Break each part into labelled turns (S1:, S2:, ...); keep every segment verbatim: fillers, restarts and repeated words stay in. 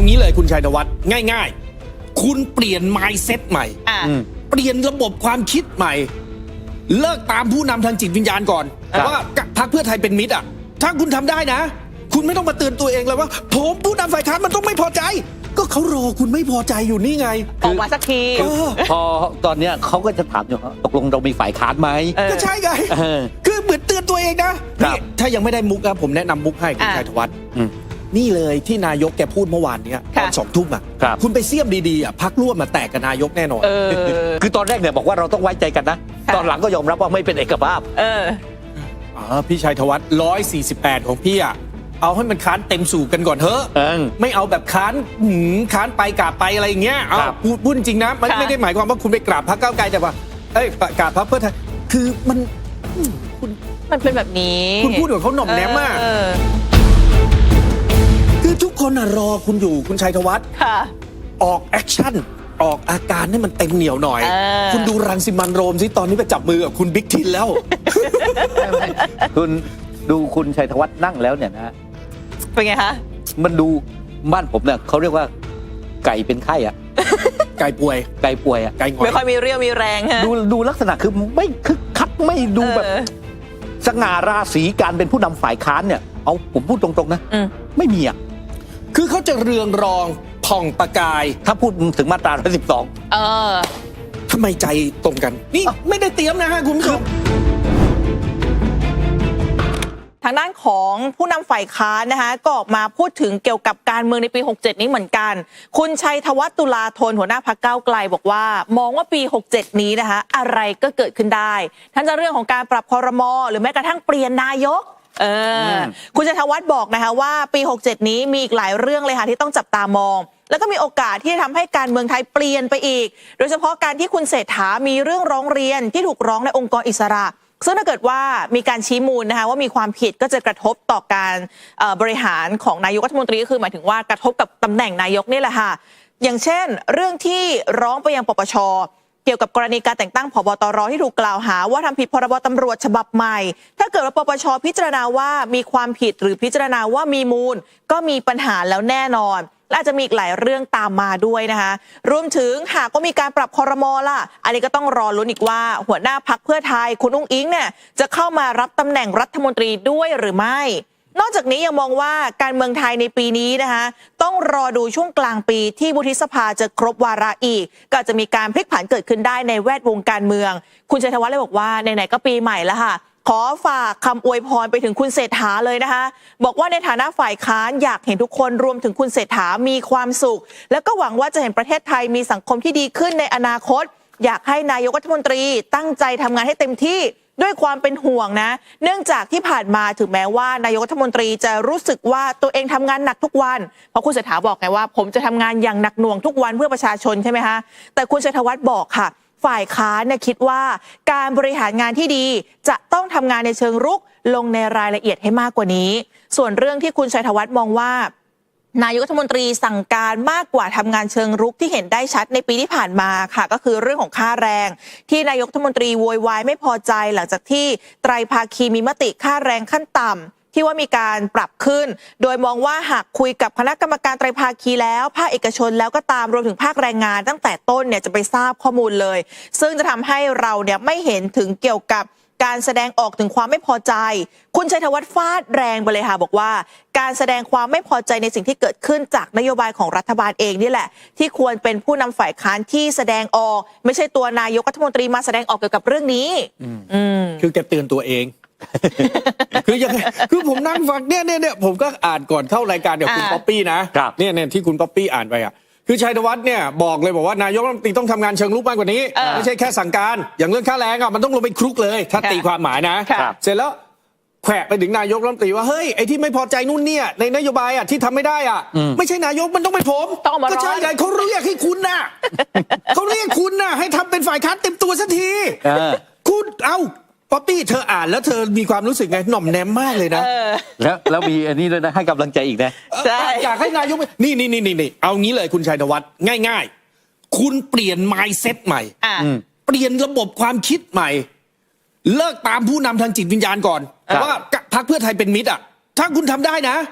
S1: งี้เลยคุณชัยธวัฒน์ง่ายๆคุณเปลี่ยน mindset ใหม่เปลี่ยนระบบความคิดใหม่เลิกตามผู้นำทางจิตวิญญาณก่อนว่าพรรคเพื่อไทยเป็นมิตรอ่ะถ้าคุณทำได้นะคุณไม่ต้องมาเตือนตัวเองเลยว่าผมผู้นำฝ่ายค้านมันต้องไม่พอใจก็เขารอคุณไม่พอใจอยู่นี่ไง
S2: ออกมาสักที
S3: พอตอนเนี้ยเขาก็จะถามอยู่ตกลงเรามีฝ่ายค้านไหม
S1: ก็ใช่ไงคือเหมือนเตือนตัวเองนะนี่ถ้ายังไม่ได้มุกนะผมแนะนำมุกให้คุณชัยธวัฒน์นี่เลยที่นายกแกพูดเมื่อวานนี้ตอนสองทุ่มอ่ะคุณไปเสี่ยมดีๆอ่ะพักร่วมมาแตกกับนายกแน่นอน
S3: คือตอนแรกเนี่ยบอกว่าเราต้องไว้ใจกันนะตอนหลังก็ยอมรับว่าไม่เป็นเอกภาพ
S2: เออ
S1: พี่ชัยธวัฒน์ร้อยสี่สิบแปดของพี่อ่ะเอาให้มันค้านเต็มสูบกันก่อนเถอะไม่เอาแบบค้านหืมค้านไปกราบไปอะไรอย่างเงี้ยเอาพูดพูดจริงนะมันไม่ได้หมายความว่าคุณไปกราบพรรคก้าวไกลแต่ว่าเอ้ยกราบพรรคเพื่อไทยคือมัน
S2: คุณมันเป็นแบบนี้
S1: คุณพูดกับเขาหน่อมแนมมากคือทุกคนรอคุณอยู่คุณชัยธวัฒน์ออกแอคชั่นออกอาการให้มันเต็มเหนียวหน่อยคุณดูรังสิมันต์โรมสิตอนนี้ไปจับมือกับคุณบิ๊กทินแล้ว
S3: คุณดูคุณชัยธวัฒน์นั่งแล้วเนี่ยนะ
S2: เป็นไงคะ
S3: มันดูบ้านผมเนี่ยเขาเรียกว่าไก่เป็นไข้อะ
S1: ไก่ป่วย
S3: ไก่ป่วยอะ
S1: ไก่งอย
S2: ไม่ค่อยมีเรี่ยวมีแรงฮะ
S3: ดูดูลักษณะคือไม่คึกคักไม่ดูแบบสง่าราศีการเป็นผู้นำฝ่ายค้านเนี่ยเอาผมพูดตรงๆนะไม่มีอะ
S1: คือเขาจะเรืองรองผ่องประกาย
S3: ถ้าพูดถึงมาตราหนึ่งสิบสอง
S2: เออ
S1: ทำไมใจตรงกันนี่ไม่ได้เตรียมนะฮะคุณผู้ชม
S2: ทางด้านของผู้นำฝ่ายค้านนะคะก็ออกมาพูดถึงเกี่ยวกับการเมืองในปีหกเจ็ดนี้เหมือนกันคุณชัยธวัฒน์ตุลาธนหัวหน้าพรรคก้าวไกลบอกว่ามองว่าปีหกเจ็ดนี้นะคะอะไรก็เกิดขึ้นได้ทั้งจะเรื่องของการปรับครม.หรือแม้กระทั่งเปลี่ยนนายกเออคุณชัยธวัฒน์บอกนะคะว่าปีหกเจ็ดนี้มีอีกหลายเรื่องเลยค่ะที่ต้องจับตามองแล้วก็มีโอกาสที่จะทำให้การเมืองไทยเปลี่ยนไปอีกโดยเฉพาะการที่คุณเศรษฐามีเรื่องร้องเรียนที่ถูกร้องในองค์กรอิสระซึ่งถ้าเกิดว่ามีการชี้มูลนะคะว่ามีความผิดก็จะกระทบต่อการบริหารของนายกรัฐมนตรีก็คือหมายถึงว่ากระทบกับตำแหน่งนายกนี่แหละค่ะอย่างเช่นเรื่องที่ร้องไปยังปปช.เกี่ยวกับกรณีการแต่งตั้งผบ.ตร.ที่ถูกกล่าวหาว่าทำผิดพรบ.ตำรวจฉบับใหม่ถ้าเกิดว่าปปช.พิจารณาว่ามีความผิดหรือพิจารณาว่ามีมูลก็มีปัญหาแล้วแน่นอนและอาจจะมีอีกหลายเรื่องตามมาด้วยนะคะรวมถึงหากก็มีการปรับครม.ล่ะอันนี้ก็ต้องรอลุ้นอีกว่าหัวหน้าพรรคเพื่อไทยคุณอุ้งอิงเนี่ยจะเข้ามารับตำแหน่งรัฐมนตรีด้วยหรือไม่นอกจากนี้ยังมองว่าการเมืองไทยในปีนี้นะคะต้องรอดูช่วงกลางปีที่วุฒิสภาจะครบวาระอีกก็จะมีการพลิกผันเกิดขึ้นได้ในแวดวงการเมืองคุณชัยธวัฒน์เลยบอกว่าไหนๆก็ปีใหม่แล้วค่ะขอฝากคำอวยพรไปถึงคุณเศรษฐาเลยนะคะบอกว่าในฐานะฝ่ายค้านอยากเห็นทุกคนรวมถึงคุณเศรษฐามีความสุขแล้วก็หวังว่าจะเห็นประเทศไทยมีสังคมที่ดีขึ้นในอนาคตอยากให้นายกรัฐมนตรีตั้งใจทำงานให้เต็มที่ด้วยความเป็นห่วงนะเนื่องจากที่ผ่านมาถึงแม้ว่านายกรัฐมนตรีจะรู้สึกว่าตัวเองทำงานหนักทุกวันเพราะคุณเศรษฐาบอกไงว่าผมจะทำงานอย่างหนักหน่วงทุกวันเพื่อประชาชนใช่ไหมคะแต่คุณชัยธวัฒน์บอกค่ะฝ่ายค้านเนี่ยคิดว่าการบริหารงานที่ดีจะต้องทำงานในเชิงรุกลงในรายละเอียดให้มากกว่านี้ส่วนเรื่องที่คุณชัยธวัฒน์มองว่านายกรัฐมนตรีสั่งการมากกว่าทำงานเชิงรุกที่เห็นได้ชัดในปีที่ผ่านมาค่ะก็คือเรื่องของค่าแรงที่นายกรัฐมนตรีโวยวายไม่พอใจหลังจากที่ไตรภาคีมีมติค่าแรงขั้นต่ำที่ว่ามีการปรับขึ้นโดยมองว่าหากคุยกับคณะกรรมการไตรภาคีแล้วภาคเอกชนแล้วก็ตามรวมถึงภาคแรงงานตั้งแต่ต้นเนี่ยจะไปทราบข้อมูลเลยซึ่งจะทำให้เราเนี่ยไม่เห็นถึงเกี่ยวกับการแสดงออกถึงความไม่พอใจคุณชัยธวัฒน์ฟาดแรงไปเลยค่ะบอกว่าการแสดงความไม่พอใจในสิ่งที่เกิดขึ้นจากนโยบายของรัฐบาลเองนี่แหละที่ควรเป็นผู้นำฝ่ายค้านที่แสดงออกไม่ใช่ตัวนายกรัฐมนตรีมาแสดงออกเกี่ยวกับเรื่องนี้
S1: คือแกเตือนตัวเองคือยังคือผมนั่งฟังเนี่ยเนี่ยเนี่ยผมก็อ่านก่อนเข้ารายการกับคุณป๊อปปี้นะเนี่ยเนี่ยที่คุณป๊อปปี้อ่านไปอ่ะคือชัยธวัฒน์เนี่ยบอกเลยบอกว่านายกรัฐมนตรีต้องทำงานเชิงรุกมากกว่านี้ไม่ใช่แค่สั่งการอย่างเรื่องค่าแรงอ่ะมันต้องลงไปคลุกเลยถ้าตีความหมายนะเสร็จแล้วแขวะไปถึงนายกรัฐมนตรีว่าเฮ้ยไอ้ที่ไม่พอใจนู่นเนี่ยในนโยบายอ่ะที่ทำไม่ได้อ่ะไม่ใช่นายกมันต้องเป็นผมก็ใช่ไงเขาเรียกให้คุณน่ะเขาเรียกคุณน่ะให้ทำเป็นฝ่ายค้านเต็มตัวสักทีคุณเอ้าป๊อปปี้เธออ่านแล้วเธอมีความรู้สึกไงหน่อมแนมมากเลยนะ
S3: แล้วแล้วมีอันนี้ด้วยนะให้กำลังใจอีกนะ
S1: อยากให้นายกนี่นี่นี่นี่เอางี้เลยคุณชัยธวัฒน์ง่ายๆคุณเปลี่ยน mindset ใหม่เปลี่ยนระบบความคิดใหม่เลิกตามผู้นำทางจิตวิญญาณก่อนว่าพรรคเพื่อไทยเป็นมิตรอ่ะถ้าคุณทำได้นะคุณ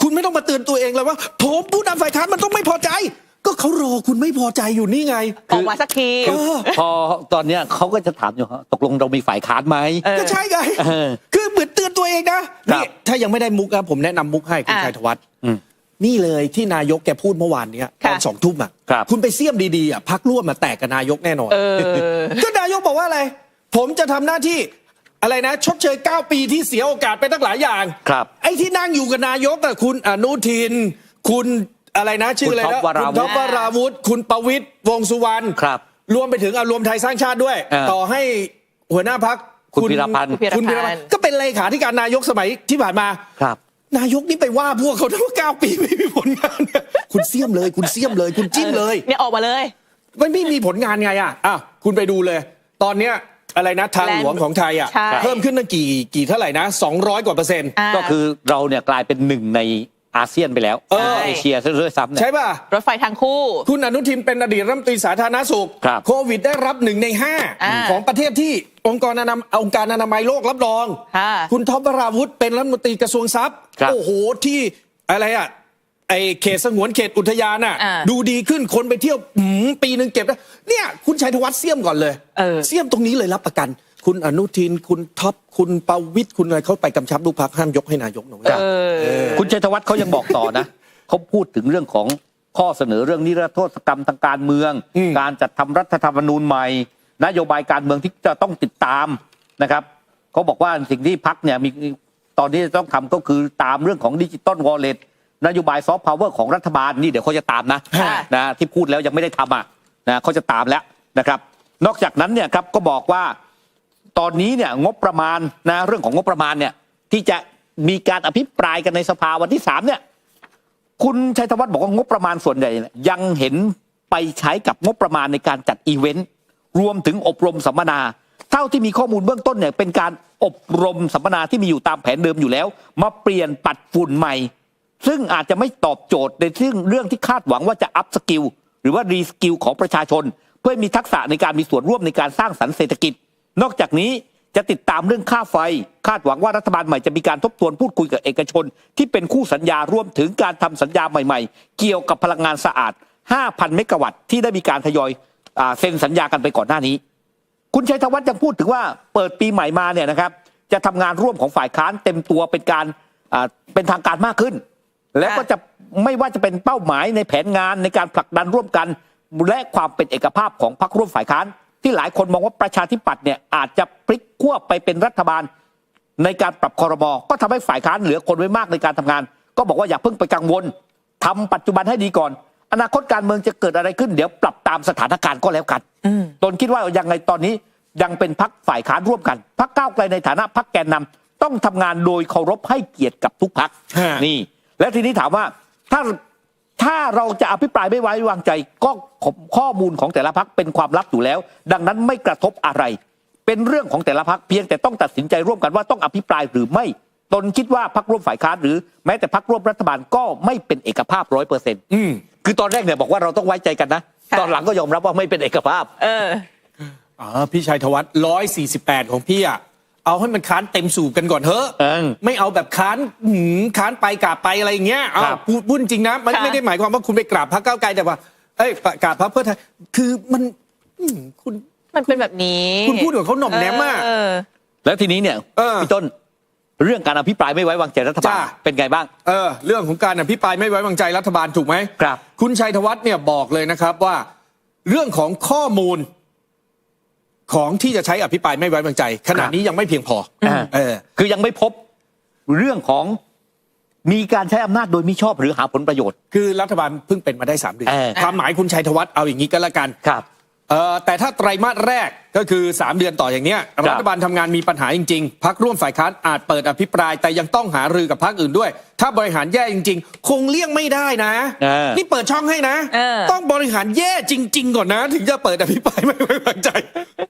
S1: คุณไม่ต้องมาเตือนตัวเองเลยว่าผมผู้นำฝ่ายค้านมันต้องไม่พอใจ ก็เขารอคุณไม่พอใจอยู่นี่ไง
S2: ออกมาสักที
S1: เออ
S3: พอตอนเนี้ยเขาก็จะถามอยู่ฮะตกลงเรามีฝ่ายค้านไหม
S2: เออ
S1: ก็ใช่ไง
S3: เออ
S1: คือเหมือนเตือนตัวเองนะครับ นี่ถ้ายังไม่ได้มุกนะผมแนะนำมุกให้คุณ
S2: อ่ะ
S1: ชัยธวัฒน์
S3: อืม
S1: นี่เลยที่นายกแกพูดเมื่อวานเนี้ยต
S2: ค่ะ
S1: อนสองทุ่มอ่ะ
S3: ครับ
S1: คุณไปเสี่ยมดีๆอ่ะพักร่วมมาแตกกับนายกแน่นอน
S2: เออ
S1: ก็นายกบอกว่าอะไร ผมจะทำหน้าที่อะไรนะ ชดเชยเก้าปีที่เสียโอกาสไปตั้งหลายอย่าง
S3: ครับ
S1: ไอ้ที่นั่งอยู่กับนายกอะคุณอนุทิน คุณอะไรนะ ชื่ออะไรนะ
S3: คุณท็อปวราวุธ
S1: คุณท็อปวราวุธ คุณประวิตรวงษ์สุวรรณ
S3: ครับ
S1: รวมไปถึงอารวมไทยสร้างชาติด้วย
S3: เออ
S1: ต่อให้หัวหน้าพัก
S3: คุณพีรพันธ์
S1: คุณพีรพันธ์ก็เป็นเลขาธิการนายกสมัยที่ผ่านมา
S3: ครับ
S1: นายกนี่ไปว่าพวกเขาทั้งเก้าปีไม่มีผลงานเนี่ยคุณเสี่ยมเลย คุณเสี่ยมเลย คุณจิ้มเลย
S2: เนี่ยออกมาเลย
S1: มันไม่มีผลงานไงอ่ะอ่ะคุณไปดูเลย ตอนเนี้ยอะไรนะทางหลวงของไทยอ่ะ
S2: ใช่
S1: เพิ่มขึ้นตั้งกี่กี่เท่าไหร่นะสองร้อยกว่าเปอร์เซ็นต์
S2: า
S3: ก็คือเราเนี่ยกลายเป็นหนึ่งในอาเซียนไปแล้ว
S1: เออ
S3: เอเชียซะด้วยซ้ำเนี่ย
S1: ใช่ป่ะ
S2: รถไฟทางคู่
S1: คุณอนุทินเป็นอดีตรัฐมนตรีสาธารณสุข
S3: ครับ
S1: โควิดได้รับหนึ่งในห้า
S2: อ่า
S1: ของประเทศที่องค์กรอนามัยองค์การอนามัยโลกรับรอง
S2: ค่ะ
S1: คุณท็อปวราวุธเป็นรัฐมนตรีกระทรวงทรัพย์
S3: ครับ
S1: โอ้โหที่อะไรอ่ะไอเขตสงวนเขตอุทยานอ่ะ
S2: อ่า
S1: ดูดีขึ้นคนไปเที่ยวหืมปีหนึ่งเก็บได้เนี่ยคุณชัยธวัฒน์เสี่ยมก่อนเลย
S2: เออ
S1: เสี่ยมตรงนี้เลยรับประกัน คุณอนุทินคุณท็อปคุณประวิตรคุณอะไรเขาไปกำชับลูกพักห้ามยกให้นายกหน่อย
S2: เออ
S3: คุณชัยธวัฒน์เขายังบอกต่อนะ เขาพูดถึงเรื่องของข้อเสนอเรื่องนิรโทษกรรมทางการเมือง
S1: อืม
S3: การจัดทำรัฐธรรมนูญใหม่ นโยบายการเมืองที่จะต้องติดตามนะครับเขาบอกว่าสิ่งที่พักเนี่ยมีตอนนี้จะต้องทำก็คือตามเรื่องของดิจิตอลวอลเล็ตนโยบายซอฟต์พาวเวอร์ของรัฐบาลนี่เดี๋ยวเขาจะตามนะ
S2: ค่ะ
S3: นะที่พูดแล้วยังไม่ได้ทำอ่ะนะเขาจะตามแล้วนะครับ นอกจากนั้นเนี่ยครับก็บอกว่า ตอนนี้เนี่ยงบประมาณนะเรื่องของงบประมาณเนี่ยที่จะมีการอภิปรายกันในสภาวันที่สามเนี่ยคุณชัยธวัฒน์บอกว่างบประมาณส่วนใหญ่เนี่ยยังเห็นไปใช้กับงบประมาณในการจัดอีเวนต์รวมถึงอบรมสัมมนา เท่าที่มีข้อมูลเบื้องต้นเนี่ยเป็นการอบรมสัมมนาที่มีอยู่ตามแผนเดิมอยู่แล้ว มาเปลี่ยนปัดฝุ่นใหม่ ซึ่งอาจจะไม่ตอบโจทย์ในเรื่องเรื่องที่คาดหวังว่าจะอัพสกิลหรือว่ารีสกิลของประชาชน เพื่อมีทักษะในการมีส่วนร่วมในการสร้างสรรค์เศรษฐกิจ นอกจากนี้จะติดตามเรื่องค่าไฟคาดหวังว่ารัฐบาลใหม่จะมีการทบทวนพูดคุยกับเอกชน ที่เป็นคู่สัญญารวมถึงการทำสัญญาใหม่ๆ เกี่ยวกับพลังงานสะอาด ห้าพัน เมกะวัตต์ที่ได้มีการทยอยอ่าเซ็นสัญญากันไปก่อนหน้านี้ คุณชัยธวัฒน์ยังพูดถึงว่าเปิดปีใหม่มาเนี่ยนะครับจะทำงานร่วมของฝ่ายค้านเต็มตัวเป็นการอ่าเป็นทางการมากขึ้น แล้วก็จะไม่ว่าจะเป็นเป้าหมายในแผนงานในการผลักดันร่วมกัน และความเป็นเอกภาพของพรรคร่วมฝ่ายค้านที่หลายคนมองว่าประชาธิปัตย์เนี่ยอาจจะพลิกขั้วไปเป็นรัฐบาลในการปรับครม.ก็ทำให้ฝ่ายค้านเหลือคนไว้มากในการทำงาน ก็บอกว่าอย่าเพิ่งไปกังวลทำปัจจุบันให้ดีก่อน อนาคตการเมืองจะเกิดอะไรขึ้นเดี๋ยวปรับตามสถานการณ์ก็แล้วกัน
S2: อืม
S3: ตนคิดว่ายังไงตอนนี้ยังเป็นพรรคฝ่ายค้านร่วมกันพรรคก้าวไกลในฐานะพรรคแกนนำต้องทำงานโดยเคารพให้เกียรติกับทุกพรรค
S1: ฮะ
S3: นี่ และทีนี้ถามว่าถ้าถ้าเราจะอภิปรายไม่ไว้วางใจก็ข้อมูลของแต่ละพรรคเป็นความลับอยู่แล้ว ดังนั้นไม่กระทบอะไร เป็นเรื่องของแต่ละพรรคเพียงแต่ต้องตัดสินใจร่วมกันว่าต้องอภิปรายหรือไม่ ตนคิดว่าพรรคร่วมฝ่ายค้านหรือแม้แต่พรรคร่วมรัฐบาลก็ไม่เป็นเอกภาพร้อยเปอร์เซ็นต์
S1: อืม
S3: คือตอนแรกเนี่ยบอกว่าเราต้องไว้ใจกันนะ
S2: ค่ะ
S3: ตอนหลังก็ยอมรับว่าไม่เป็นเอกภาพ
S2: เออ
S1: อ๋อพี่ชัยธวัฒน์ร้อยสี่สิบแปดของพี่อ่ะเอาให้มันค้านเต็มสูบกันก่อนเถอะ
S3: เออ
S1: ไม่เอาแบบค้านหืมค้านไปกราบไปอะไรอย่างเงี้ยเอา
S3: ครับ
S1: พูดพูดจริงนะมัน
S2: ค่ะ
S1: ไม่ได้หมายความว่าคุณไปกราบพรรคก้าวไกลแต่ว่าเอ้ยกราบพรรคเพื่อไทยคือมันอืมคุณ
S2: มันเป็นแบบนี้
S1: คุณพูดกับเขาหน่อมแนมมาก
S2: เออ
S3: แล้วทีนี้เนี่ย
S1: เออ
S3: พี่ต้นเรื่องการอภิปรายไม่ไว้วางใจรัฐบาล
S1: จ้า
S3: เป็นไงบ้าง
S1: เออเรื่องของการอภิปรายไม่ไว้วางใจรัฐบาลถูกไหม
S3: ครับ
S1: คุณชัยธวัฒน์เนี่ยบอกเลยนะครับว่าเรื่องของข้อมูลของที่จะใช้อภิปรายไม่ไว้วางใจ ขณะนี้ยังไม่เพียงพอ
S3: อ่า
S1: เออ
S3: คือยังไม่พบเรื่องของมีการใช้อำนาจโดยมิชอบหรือหาผลประโยชน์
S1: คือรัฐบาลเพิ่งเป็นมาได้สามเดือน
S3: เออ
S1: ความหมายคุณชัยธวัฒน์เอาอย่างนี้ก็แล้วกัน
S3: ครับ
S1: เอ่อแต่ถ้าไตรมาสแรกก็คือสามเดือนต่ออย่างเนี้ย
S3: ครับ
S1: รัฐบาลทำงานมีปัญหาจริงๆพรรคร่วมฝ่ายค้านอาจเปิดอภิปราย แต่ยังต้องหารือกับพรรคอื่นด้วย ถ้าบริหารแย่จริง ๆ คงเลี่ยงไม่ได้นะ
S3: เออ
S1: นี่เปิดช่องให้นะ
S2: เออ
S1: ต้องบริหารแย่จริง ๆ ก่อนนะ ถึงจะเปิดอภิปรายไม่ไว้วางใจ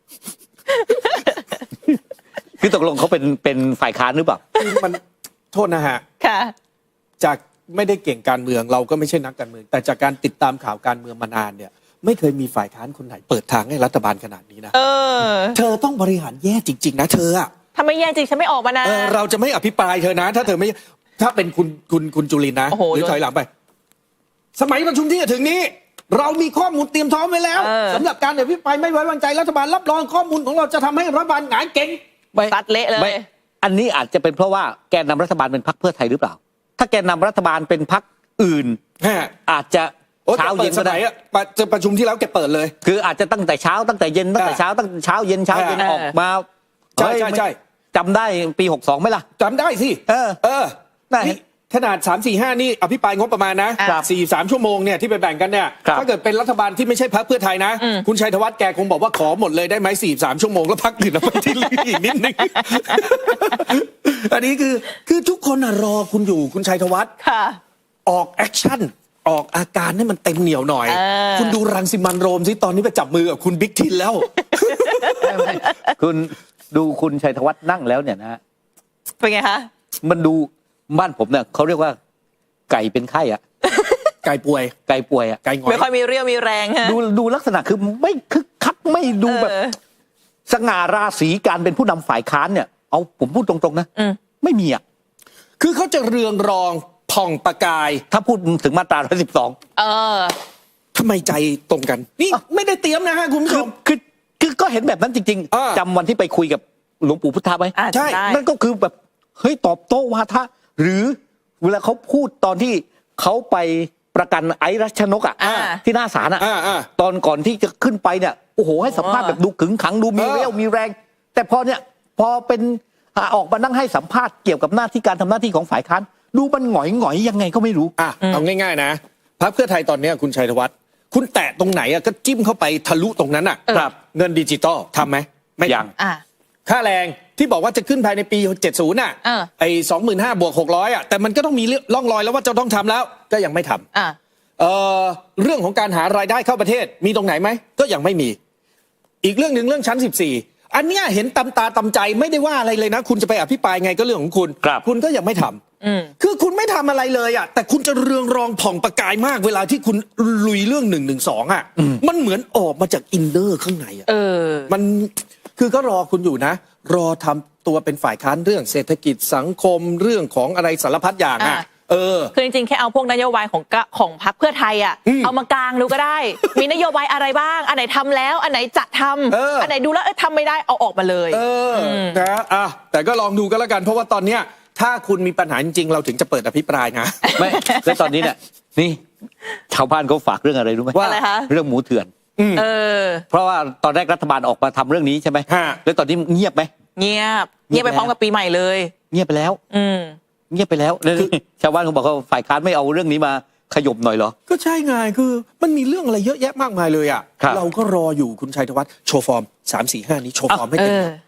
S3: คือตกลงเขาเป็นเป็นฝ่ายค้านหรือเปล่า
S1: คือมันโทษนะฮะ
S2: ค่ะ
S1: จากไม่ได้เก่งการเมืองเราก็ไม่ใช่นักการเมือง แต่จากการติดตามข่าวการเมืองมานานเนี่ยไม่เคยมีฝ่ายค้านคนไหนเปิดทางให้รัฐบาลขนาดนี้นะ
S2: เออ
S1: เธอต้องบริหารแย่จริง ๆ นะเธออะ
S2: ถ้าไม่แย่จริงฉันไม่ออกมานะ
S1: เออเราจะไม่อภิปรายเธอนะ ถ้าเธอไม่ถ้าเป็นคุณคุณคุณจุลินทร์นะ
S2: โอ้โห
S1: หรือถอยหลังไป สมัยประชุมที่จะถึงนี้ เรามีข้อมูลเตรียมพร้อมไว้แล้ว
S2: เออ
S1: สำหรับการอภิปรายไม่ไว้วางใจรัฐบาลรับรองข้อมูลของเราจะทำให้รัฐบาลหงายเก่ง
S3: ไม่
S2: ซัดเละเลย
S3: ไม่อันนี้อาจจะเป็นเพราะว่าแกนนำรัฐบาลเป็นพรรคเพื่อไทยหรือเปล่า ถ้าแกนนำรัฐบาลเป็นพรรคอื่น
S1: ฮะ
S3: อาจจะ
S1: โอ้
S3: เช้า
S1: เช้า
S3: เย็
S1: เย็
S3: น
S1: น
S3: ก็
S1: ส
S3: ได้
S1: มัยอะประจะประชุมที่แล้วแกเปิดเลย
S3: คืออาจจะตั้งแต่เช้าตั้งแต่เย็นตั้งแต่เช้าตั้งเช้าเย็นเช้าเย็น
S2: เออ
S3: ออกมา
S1: ใช่
S3: เฮ้ย
S1: ใช่ใช่
S3: จำได้ปีหกสองไหมล่ะ
S1: จำได้สิ
S3: เออ
S1: เออ
S3: ได้
S1: นี่ขนาดสามสี่ห้านี่อภิปรายงบประมาณนะครับ สี่สามชั่วโมงเนี่ยที่ไปแบ่งกันเนี่ย
S3: ครับ
S1: ถ้าเกิดเป็นรัฐบาลที่ไม่ใช่พรรคเพื่อไทยนะ
S2: อืม
S1: คุณชัยธวัฒน์แกคงบอกว่าขอหมดเลยได้ไหมสี่สามชั่วโมงแล้วพักอื่นเอาไปที่เหลืออีกนิดนึง อันนี้คือคือทุกคนน่ะรอคุณอยู่คุณชัยธวัฒน์
S2: ค่ะ
S1: ออกแอคชั่นออกอาการให้มันเต็มเหนียวหน่อย
S2: เออ
S1: คุณดูรังสิมันต์โรมสิตอนนี้ไปจับมือกับคุณบิ๊กทินแล้ว
S3: คุณดูคุณชัยธวัฒน์นั่งแล้วเนี่ยนะ
S2: เป็นไงคะ
S3: มันดูบ้านผมเนี่ยเขาเรียกว่า ไก่เป็นไข้อะ
S1: ไก่ป่วย
S3: ไก่ป่วยอะ
S1: ไก่หงอ
S2: ไม่
S1: ย
S2: ค่อยมีเรี่ยวมีแรงฮะ
S3: ดูดูลักษณะคือไม่คึกคักไม่ดูแบบ
S2: เออ
S3: สง่าราศีการเป็นผู้นำฝ่ายค้านเนี่ยเอาผมพูดตรงๆนะ
S2: อืม
S3: ไม่มีอ่ะ
S1: คือเขาจะเรืองรองผ่องประกาย
S3: ถ้าพูดถึงมาตราหนึ่งสิบสอง
S2: เออ
S1: ทำไมใจตรงกัน นี่ไม่ได้เตรียมนะฮะคุณผู้ช
S3: คือ
S1: ม
S3: คือคือก็เห็นแบบนั้นจริง
S1: อ่า
S3: ๆจำวันที่ไปคุยกับหลวงปู่พุทธะไหม
S2: อ่า
S1: ใช่
S2: ได้
S3: นั่นก็คือแบบเฮ้ยตอบโต้วาทะหรือเวลาเขาพูดตอนที่เขาไปประกันไอ้รัชนกอ่ะ
S2: อ่า
S3: ที่หน้าศาลอ่ะ
S1: อ่าอ่า
S3: ตอนก่อนที่จะขึ้นไปเนี่ยโอ้โหให้สัมภาษณ์แบบดูขึงขังดูมี
S1: เออ
S3: เรี่ยวมีแรง แต่พอเนี่ยพอเป็นอ่าออกมานั่งให้สัมภาษณ์เกี่ยวกับหน้าที่การทำหน้าที่ของฝ่ายค้านดูมันหงอยหงอยๆยังไงก็ไม่รู้
S1: อ่ะเอาง่ายๆนะพรรคเพื่อไทยตอนเนี้ยคุณชัยธวัฒน์คุณแตะตรงไหนอะก็จิ้มเข้าไปทะลุตรงนั้นอะ
S2: เออ
S1: ครับเงินดิจิตอลทำไหมไม่
S3: ยัง
S2: อ่า
S1: ค่าแรงที่บอกว่าจะขึ้นภายในปีเจ็ดสิบน่ะ
S2: เออ
S1: ไอ้สองหมื่นห้าบวกหกร้อยอะแต่มันก็ต้องมีร่องรอยแล้วว่าจะต้องทำแล้วก็ยังไม่ทำ
S2: อ่า
S1: เอ่อเรื่องของการหารายได้เข้าประเทศมีตรงไหนไหมก็ยังไม่มี อีกเรื่องหนึ่งเรื่องชั้นสิบสี่อันเนี้ยเห็นตำตาตำใจไม่ได้ว่าอะไรเลยนะ คุณจะไปอภิปรายไงก็เรื่องของคุณ
S3: ครับ
S1: คุณก็ยังไม่ทำ
S2: อืม
S1: คือคุณไม่ทำอะไรเลยอ่ะแต่คุณจะเรืองรองผ่องประกายมากเวลาที่คุณลุยเรื่องหนึ่งหนึ่งสองอ่ะมันเหมือนออกมาจากอินเนอร์ข้างในอ่ะ
S2: เออ
S1: มันคือก็รอคุณอยู่นะ รอทำตัวเป็นฝ่ายค้านเรื่องเศรษฐกิจสังคมเรื่องของอะไรสารพัดอย่างอ่ะ
S2: อ่ะ
S1: เออ
S2: คือจริงๆ แค่เอาพวกนโยบายของกะของพรรคเพื่อไทยอ่ะ
S1: อืม
S2: เอามากลางดูก็ได้ มีนโยบายอะไรบ้าง อันไหนทำแล้ว อันไหนจะทำ
S1: เอออั
S2: นไหนดูแล้วเอ้ยทำไม่ได้เอาออกมาเลย
S1: เออนะอ่ะแต่ก็ลองดูกันแล้วกัน เพราะว่าตอนเนี้ยถ้าคุณมีปัญหาจริงๆ เราถึงจะเปิดอภิปรายนะ
S3: ไม่แล้วตอนนี้เนี่ยนี่ชาวบ้านเขาฝากเรื่องอะไรรู้ไหม
S1: ว่า
S2: อะไรคะ
S3: เรื่องหมูเถื่อน
S2: เออ
S3: เพราะว่าตอนแรกรัฐบาลออกมาทำเรื่องนี้ใช่ไหม
S1: ฮะ
S3: แล้วตอนนี้เงียบไหม
S2: เงียบ เงียบไปพร้อมกับปีใหม่เลย
S3: เงียบไปแล้ว
S2: อืม
S3: เงียบไปแล้วแล้วนี่ชาวบ้านเขาบอกว่าฝ่ายค้านไม่เอาเรื่องนี้มาขยบหน่อยเหรอ
S1: ก็ใช่ไงคือมันมีเรื่องอะไรเยอะแยะมากมายเลยอ่ะ
S3: ครับ
S1: เราก็รออยู่คุณชัยธวัฒน์โชว์ฟอร์มสามสี่ห้านี้โชว์ฟอร์มให้
S2: เอ
S1: เต็ม
S2: อ
S1: ที่